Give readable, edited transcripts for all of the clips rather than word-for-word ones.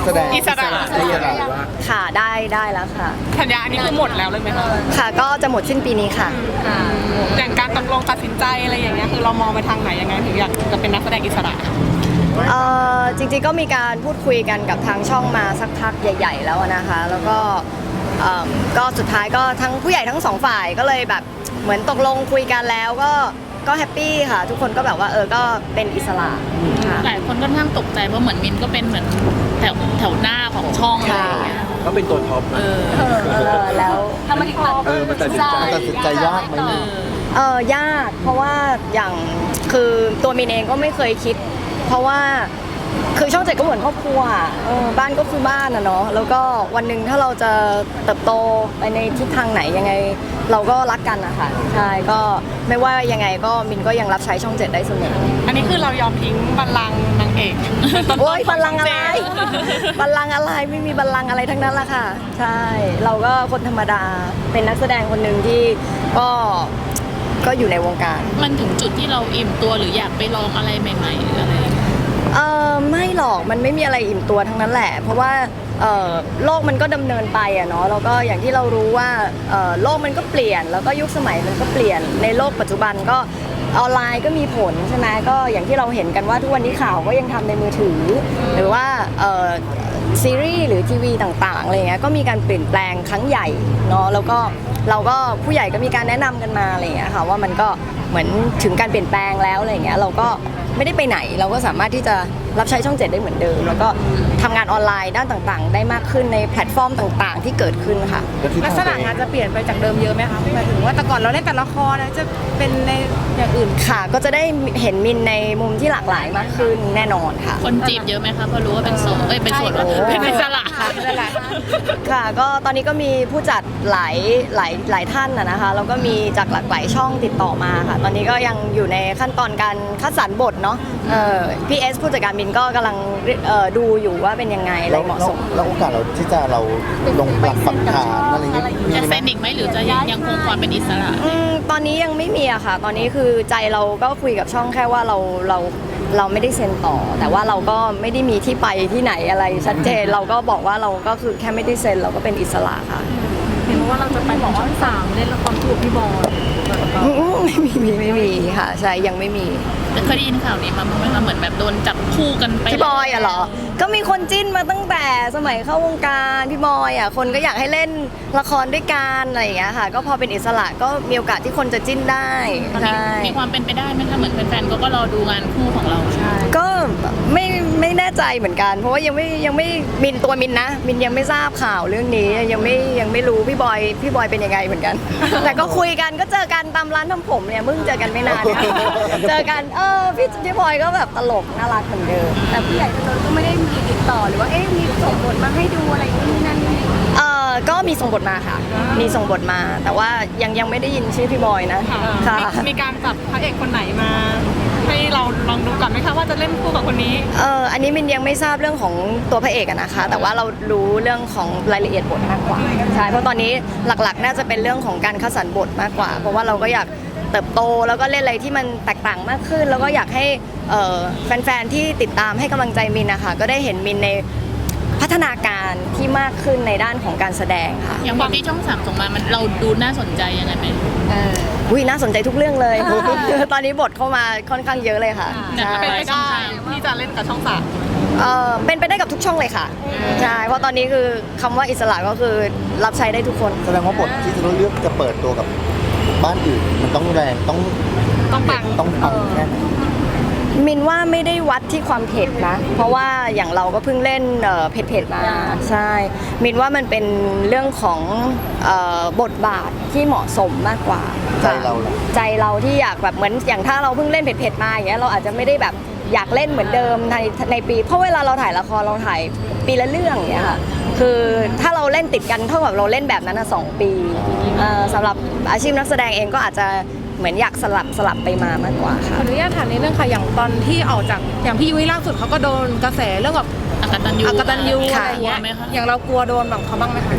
แสดงอิสระได้ยังไงวะค่ะได้แล้วค่ะสัญญาอันนี้คือหมดแล้วเลยไหมคะค่ะก็จะหมดสิ้นปีนี้ค่ะอย่างการตกลงตัดสินใจอะไรอย่างเงี้ยคือเรามองไปทางไหนยังไงถึงอยากจะเป็นนักแสดงอิสระจริงๆก็มีการพูดคุยกันกับทางช่องมาสักพักใหญ่ๆแล้วนะคะ แล้วก็ก็สุดท้ายก็ทั้งผู้ใหญ่ทั้งสองฝ่ายก็เลยแบบเหมือนตกลงคุยกันแล้วก็แฮปปี้ค่ะ ทุกคนก็แบบว่าก็เป็นอิสระค่ะหลายคนค่อนข้างตกใจเพราะเหมือนมินก็เป็นเหมือนแถวหน้าของช่องอะไรอย่างเงี้ยก็เป็นตัวท็อปแล้วมันตัดสินใจยากไหมยากเพราะว่าอย่างคือตัวมินเองก็ไม่เคยคิด เพราะว่าคือช่องเจ็ดก็เหมือนครอบครัวบ้านก็คือบ้านนะเนาะแล้วก็วันหนึ่งถ้าเราจะเติบโตไปในทิศทางไหนยังไง เราก็รักกันนะคะใช่ก็ไม่ว่ายังไงก็มินก็ยังรับใช้ช่องเจ็ดได้เสมออันนี้คือเรายอมทิ้งบัลลังก์นางเอกโอ้ยบัลลังก์อะไรบัลลังก์อะไรไม่มีบัลลังก์อะไรทั้งนั้นละค่ะใช่เราก็คนธรรมดาเป็นนักแสดงคนหนึ่งที่ก็อยู่ในวงการมันถึงจุดที่เราอิ่มตัวหรืออยากไปลองอะไรใหม่ๆหรืออะไรไม่หรอกมันไม่มีอะไรอิ่มตัวทั้งนั้นแหละ เพราะว่าโลกมันก็ดำเนินไปอะเนาะแล้วก็อย่างที่เรารู้ว่าโลกมันก็เปลี่ยนแล้วก็ยุคสมัยมันก็เปลี่ยนในโลกปัจจุบันก็ออนไลน์ก็มีผลใช่ไหมก็อย่างที่เราเห็นกันว่าทุกวันนี้ข่าวก็ยังทำในมือถือ หรือว่าซีรีส์หรือทีวีต่างๆอะไรเงี้ยก็มีการเปลี่ยนแปลงครั้งใหญ่เนาะแล้วก็เราก็ผู้ใหญ่ก็มีการแนะนำกันมาอะไรเงี้ยค่ะว่ามันก็เหมือนถึงการเปลี่ยนแปลงแล้วอะไรเงี้ยเราก็ไม่ได้ไปไหนเราก็สามารถที่จะรับใช้ช่องเจ็ดได้เหมือนเดิมแล้วก็ทำงานออนไลน์ด้านต่างๆ ได้มากขึ้นในแพลตฟอร์มต่างๆ ที่เกิดขึ้นค่ะลักษณะงานจะเปลี่ยนไปจากเดิมเยอะไหมคะหมายถึงว่าแต่ก่อนเราเล่นแต่ละครนะจะเป็นในอย่างอื่นค่ะก็จะได้เห็นมินในมุมที่หลากหลายมากขึ้นแน่นอนค่ะคนจีบเยอะไหมคะเพราะรู้ว่าเป็นโสดเป็นโสดว่าเป็นอิสระค่ะค่ะก็ตอนนี้ก็มีผู้จัดหลายท่านนะคะแล้วก็มีจากหลากหลายช่องติดต่อมาค่ะตอนนี้ก็ยังอยู่ในขั้นตอนการคัดสรรบทเนาะพี่เอสผู้จัดการมินก็กำลังดูอยู่ว่าเป็นยังไงอะไรเหมาะสมแล้วโอกาสเราที่จะเราลงหลักปักฐานอะไรเงี้ยมีจะไหมเซ็นอีกไหมหรือจะยังคงความเป็นอิสระตอนนี้ยังไม่มีอะค่ะ ตอนนี้คือใจเราก็คุยกับช่องแค่ว่าเราไม่ได้เซ็นต่อ แต่ว่าเราก็ไม่ได้มีที่ไปที่ไหนอะไรชัดเจนเราก็บอกว่าเราก็คือแค่ไม่ได้เซ็นเราก็เป็นอิสระค่ะเห็นว่าเราจะไปบอกช่อง3เล่นละครคู่กับพี่บอยไม่มีค่ะใช่ยังไม่มีแต่เคยได้ยินข่าวนี้มาบ้างไหมคะเหมือนแบบโดนจับคู่กันไปพี่บอยอะเหรอ ก็มีคนจิ้นมาตั้งแต่สมัยเข้าวงการพี่บอยอะคนก็อยากให้เล่นละครด้วยกันอะไรอย่างเงี้ยค่ะ ก็พอเป็นอิสระก็มีโอกาสที่คนจะจิ้นได้ตอนนี้ใช่มีความเป็นไปได้ไหมคะเหมือนแฟนๆก็รอดูงานคู่ของเราใช่ก็ไม่แน่ใจเหมือนกัน เพราะว่ายังไม่มินตัวมินนะมินยังไม่ทราบข่าวเรื่องนี้ยังไม่รู้พี่บอยเป็นยังไงเหมือนกัน แต่ก็คุยกันก็เจอกันตามร้านทำผมเนี่ยเพิ่งเจอกันไม่นานเนี่ยเจอกันพี่บอยก็แบบตลกน่ารักเหมือนเดิมแต่ผู้ใหญ่ก็ไม่ได้มีติดต่อหรือว่ามีส่งบทมาให้ดูอะไรนี่นั่นนี่ก็มีส่งบทมาค่ะ มีส่งบทมา แต่ว่ายังไม่ได้ยินชื่อพี่บอยนะค่ะมีการจับพระเอกคนไหนมา ให้เราลองดูก่อนไหมคะว่าจะเล่นคู่กับคนนี้อันนี้มินยังไม่ทราบเรื่องของตัวพระเอกอะนะคะ แต่ว่าเรารู้เรื่องของรายละเอียดบทมากกว่าใช่เพราะตอนนี้หลักๆ น่าจะเป็นเรื่องของการคัดสรรบทมากกว่า เพราะว่าเราก็อยากเติบโตแล้วก็เล่นอะไรที่มันแตกต่างมากขึ้น แล้วก็อยากให้แฟนๆที่ติดตามให้กำลังใจมินนะคะก็ได้เห็นมินในพัฒนาการที่มากขึ้นในด้านของการแสดงค่ะอย่างบทที่ช่อง3ส่งมามันเราดูน่าสนใจยังไงไหมน่าสนใจทุกเรื่องเลย ตอนนี้บทเข้ามาค่อนข้างเยอะเลยค่ะใช่เป็นไปได้ที่จะเล่นกับช่องสามเป็นไปได้กับทุกช่องเลยค่ะใช่เพราะตอนนี้คือคำว่าอิสระก็คือรับใช้ได้ทุกคนแสดงว่าบทที่จะต้องเลือกจะเปิดตัวกับบ้านอื่นมันต้องแรงต้องปังแค่ไหนมินว่าไม่ได้วัดที่ความเผ็ดนะ เพราะว่าอย่างเราก็เพิ่งเล่นเผ็ดๆมาใช่มินว่ามันเป็นเรื่องของบทบาทที่เหมาะสมมากกว่าใจเราล่ะใจเราที่อยากแบบเหมือนอย่างถ้าเราเพิ่งเล่นเผ็ดๆมาอย่างเงี้ยเราอาจจะไม่ได้แบบอยากเล่นเหมือนเดิมในปีเพราะเวลาเราถ่ายละครเราถ่ายปีละเรื่องอย่างเงี้ยค่ะคือถ้าเราเล่นติดกันเท่ากับเราเล่นแบบนั้น2 ปีสำหรับอาชีพนักแสดงเองก็อาจจะเหมือนอยากสลับไปมามากกว่าขค่ะออนุญาตถามนิดนึงค่ะอย่างตอนที่ออกจากอย่างพี่ยุ้ยล่าสุดเขาก็โดนกระแสเรื่องแบบอกตัญญูอกตัญญูค่ะอะไรอย่างเงี้ยกลัวไหมคะอย่างเรากลัวโดนแบบเขาบ้างไหมคะ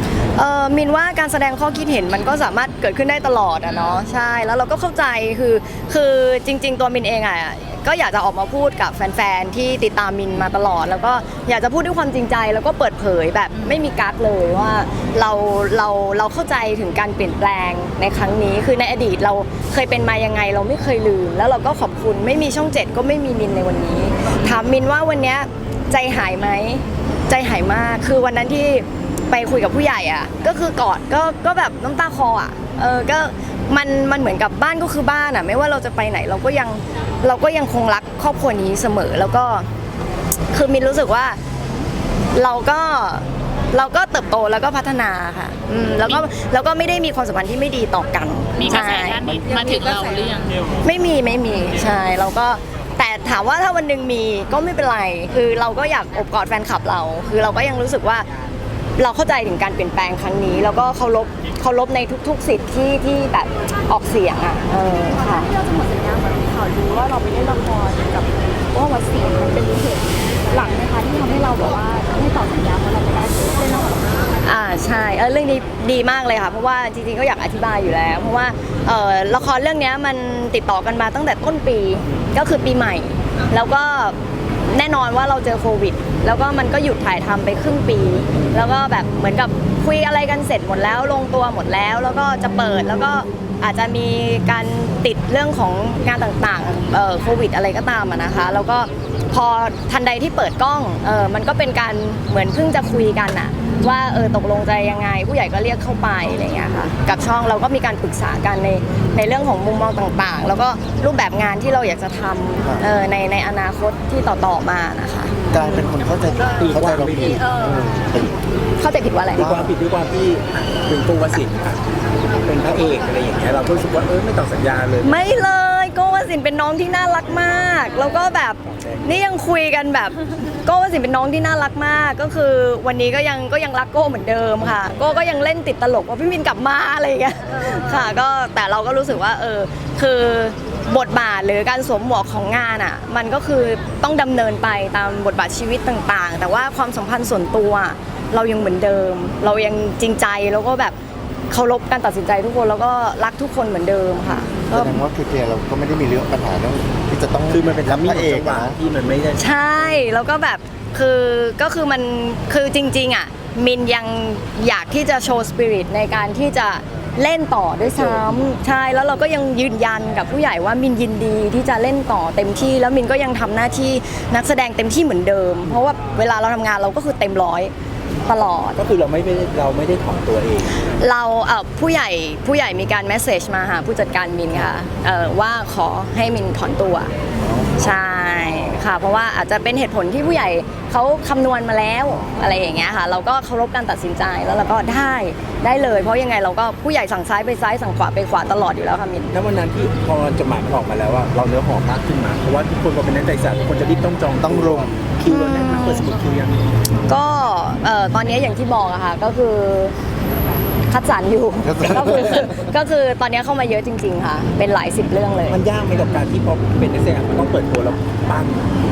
มินว่าการแสดงข้อคิดเห็นมันก็สามารถเกิดขึ้นได้ตลอดอะเนาะใช่แล้วเราก็เข้าใจคือจริง ๆ ตัวมินเองอะก็อยากจะออกมาพูดกับแฟนๆที่ติดตามมินมาตลอด แล้วก็อยากจะพูดด้วยความจริงใจแล้วก็เปิดเผยแบบไม่มีกั๊กเลยว่าเราเข้าใจถึงการเปลี่ยนแปลงในครั้งนี้คือในอดีตเราเคยเป็นมายังไงเราไม่เคยลืมแล้วเราก็ขอบคุณไม่มีช่อง 7ก็ไม่มีมินในวันนี้ถามมินว่าวันเนี้ยใจหายไหมใจหายมากคือวันนั้นที่ไปคุยกับผู้ใหญ่อ่ะก็คือกอดก็แบบน้ำตาคลออ่ะก็มันเหมือนกับบ้านก็คือบ้านอ่ะไม่ว่าเราจะไปไหนเราก็ยังคงรักครอบครัวนี้เสมอแล้วก็คือมินรู้สึกว่าเราก็เติบโตแล้วก็พัฒนาค่ะแล้วก็ไม่ได้มีความสัมพันธ์ที่ไม่ดีต่อกันมีกระแสด้านนี้มาถึงเราหรือยังไม่มีใช่เราก็แต่ถามว่าถ้าวันหนึ่งมีก็ไม่เป็นไรคือเราก็อยากอบกอดแฟนคลับเราคือเราก็ยังรู้สึกว่าเราเข้าใจถึงการเปลี่ยนแปลงครั้งนี้แล้วก็เคารพในทุกๆสิทธิ์ที่แบบออกเสียงอ่ะค่ะที่เราจะหมดสัญญาเหมือนข่าวลือว่าเราไปเล่นละครกับว่าวัดศรีมันเป็นเหตุหลังนะคะที่ทำให้เราแบบว่าไม่ต่อสัญญาเพราะเราไม่ได้เล่นละครใช่เรื่องนี้ดีมากเลยค่ะเพราะว่าจริงๆก็อยากอธิบายอยู่แล้วเพราะว่าละครเรื่องนี้มันติดต่อกันมาตั้งแต่ต้นปีก็คือปีใหม่แล้วก็แน่นอนว่าเราเจอโควิดแล้วก็มันก็หยุดถ่ายทำไปครึ่งปีแล้วก็แบบเหมือนกับคุยอะไรกันเสร็จหมดแล้วลงตัวหมดแล้วแล้วก็จะเปิดแล้วก็อาจจะมีการติดเรื่องของงานต่างๆโควิดอะไรก็ตามนะคะแล้วก็พอทันใดที่เปิดกล้องมันก็เป็นการเหมือนเพิ่งจะคุยกันอะว่าตกลงใจยังไงผู้ใหญ่ก็เรียกเข้าไปอะไรอย่างเงี้ยค่ะกับช่องเราก็มีการปรึกษากันในเรื่องของมุมมองต่างๆแล้วก็รูปแบบงานที่เราอยากจะทำในอนาคตที่ต่อมานะคะกลายเป็นคนเข้าใจเราผิดเข้าใจผิดว่าอะไรด้วยความผิดด้วยความที่เป็นตัววสินทร์ค่ะเป็นพระเอกอะไรอย่างเงี้ยเราก็รู้สึกว่าไม่ต่อสัญญาเลยไม่เลยโก้วสินเป็นน้องที่น่ารักมากแล้วก็แบบนี่ยังคุยกันแบบโก้วสินเป็นน้องที่น่ารักมากก็คือวันนี้ก็ยังรักโก้เหมือนเดิมค่ะโก้ก็ยังเล่นติดตลกว่าพี่มินกลับมาอะไรอย่างเงี้ยค่ะก็แต่เราก็รู้สึกว่าคือบทบาทหรือการสวมหมวกของงานอ่ะมันก็คือต้องดำเนินไปตามบทบาทชีวิตต่างๆแต่ว่าความสัมพันธ์ส่วนตัวเรายังเหมือนเดิมเรายังจริงใจแล้วก็แบบเคารพการตัดสินใจทุกคนแล้วก็รักทุกคนเหมือนเดิมค่ะแสดงว่าคือเคลียร์เราก็ไม่ได้มีเรื่องปัญหาเรื่องที่จะต้องคือมันเป็นรับพระเอกจังหวะนะที่มันไม่ได้ใช่แล้วก็แบบก็คือมันคือจริงๆอ่ะมินยังอยากที่จะโชว์สปิริตในการที่จะเล่นต่อด้วยซ้ำใช่แล้วเราก็ยังยืนยันกับผู้ใหญ่ว่ามินยินดีที่จะเล่นต่อเต็มที่แล้วมินก็ยังทำหน้าที่นักแสดงเต็มที่เหมือนเดิมเพราะว่าเวลาเราทำงานเราก็คือเต็มร้อยตลอดก็คือเราไม่ได้ถอนตัวเองเราผู้ใหญ่มีการเมสเซจมาหาผู้จัดการมินค่ะว่าขอให้มินถอนตัวใช่ค่ะเพราะว่าอาจจะเป็นเหตุผลที่ผู้ใหญ่เขาคำนวณมาแล้วอะไรอย่างเงี้ยค่ะเราก็เคารพการตัดสินใจแล้วเราก็ได้เลยเพราะยังไงเราก็ผู้ใหญ่สั่งซ้ายไปซ้ายสั่งขวาไปขวาตลอดอยู่แล้วค่ะมินถ้าวันนั้นที่พอจดหมายมันออกมาแล้วว่าเราเนื้อหอมมากขึ้นมาเพราะว่าทุกคนพอเป็นนักใจศาสตร์ทุกคนจะรีบต้องจองต้องลงคิวเราแน่นมากเปิดสมุดคิวยังก็ตอนนี้อย่างที่บอกอะค่ะก็คือคัดสรรอยู่ ก็คือตอนนี้เข้ามาเยอะจริง ๆ ค่ะ เป็นหลายสิบเรื่องเลยมันยากไหมกับการที่พอเป็นนักแสดงมันต้องเปิดตัวแล้วปั้ง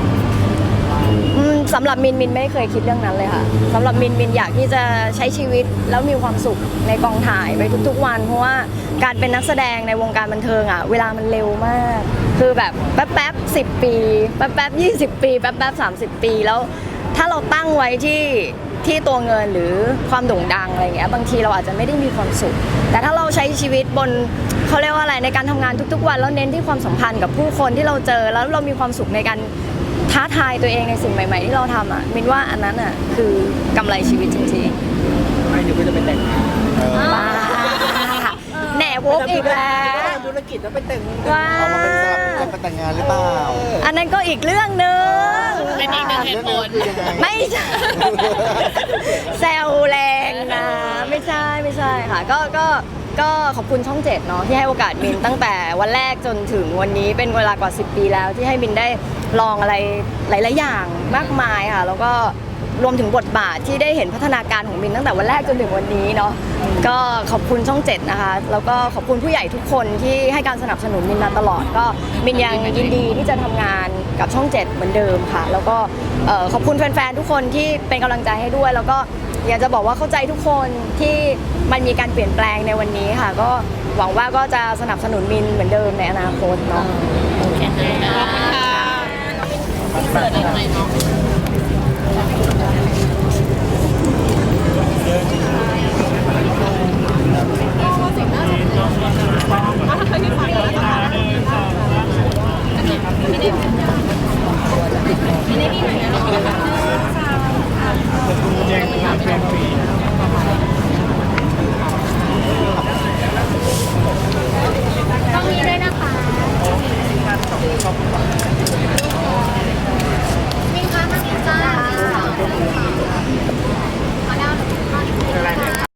สำหรับมินไม่เคยคิดเรื่องนั้นเลยค่ะสำหรับมินอยากที่จะใช้ชีวิตแล้วมีความสุขในกองถ่ายไปทุกๆวันเพราะว่าการเป็นนักแสดงในวงการบันเทิงอะเวลามันเร็วมาก คือแบบแป๊บ10 ปีแป๊บ20 ปีแป๊บ30 ปีแล้วถ้าเราตั้งไว้ที่ตัวเงินหรือความโด่งดังอะไรเงี้ยบางทีเราอาจจะไม่ได้มีความสุขแต่ถ้าเราใช้ชีวิตบนเขาเรียกว่าอะไรในการทำงานทุกๆวันแล้วเน้นที่ความสัมพันธ์กับผู้คนที่เราเจอแล้วเรามีความสุขในการท้าทายตัวเองในสิ่งใหม่ๆที่เราทำอ่ะมินว่าอันนั้นอ่ะคือกำไรชีวิตจริงๆไม่เดี๋ยวก็จะเป็นแต่งงานว้าแหน่วกอีกแล้วธุรกิจแล้วไปแต่งว้าเอามาเป็นสลับกันแต่งงานหรือเปล่าอันนั้นก็อีกเรื่องหนึงเป็นอีกหนึ่งเหตุผลคือยังไงไม่ใช่ แซวแรงนะไม่ใช่ค่ะก็ขอบคุณช่อง 7เนาะที่ให้โอกาสมินตั้งแต่วันแรกจนถึงวันนี้เป็นเวลากว่า10 ปีแล้วที่ให้มินได้ลองอะไรหลายๆอย่างมากมายค่ะแล้วก็รวมถึงบทบาทที่ได้เห็นพัฒนาการของมินตั้งแต่วันแรกจนถึงวันนี้เนาะก็ขอบคุณช่อง 7นะคะแล้วก็ขอบคุณผู้ใหญ่ทุกคนที่ให้การสนับสนุนมินมาตลอดก็มินยังยินดีที่จะทำงานกับช่อง 7เหมือนเดิมค่ะแล้วก็ขอบคุณแฟนๆทุกคนที่เป็นกำลังใจให้ด้วยแล้วก็อยากจะบอกว่าเข้าใจทุกคนที่มันมีการเปลี่ยนแปลงในวันนี้ค่ะก็หวังว่าก็จะสนับสนุนมินเหมือนเดิมในอนาคตเนาะโอเคค่ะขอบคุณค่ะเสิร์ฟอีกหน่อยเนาะ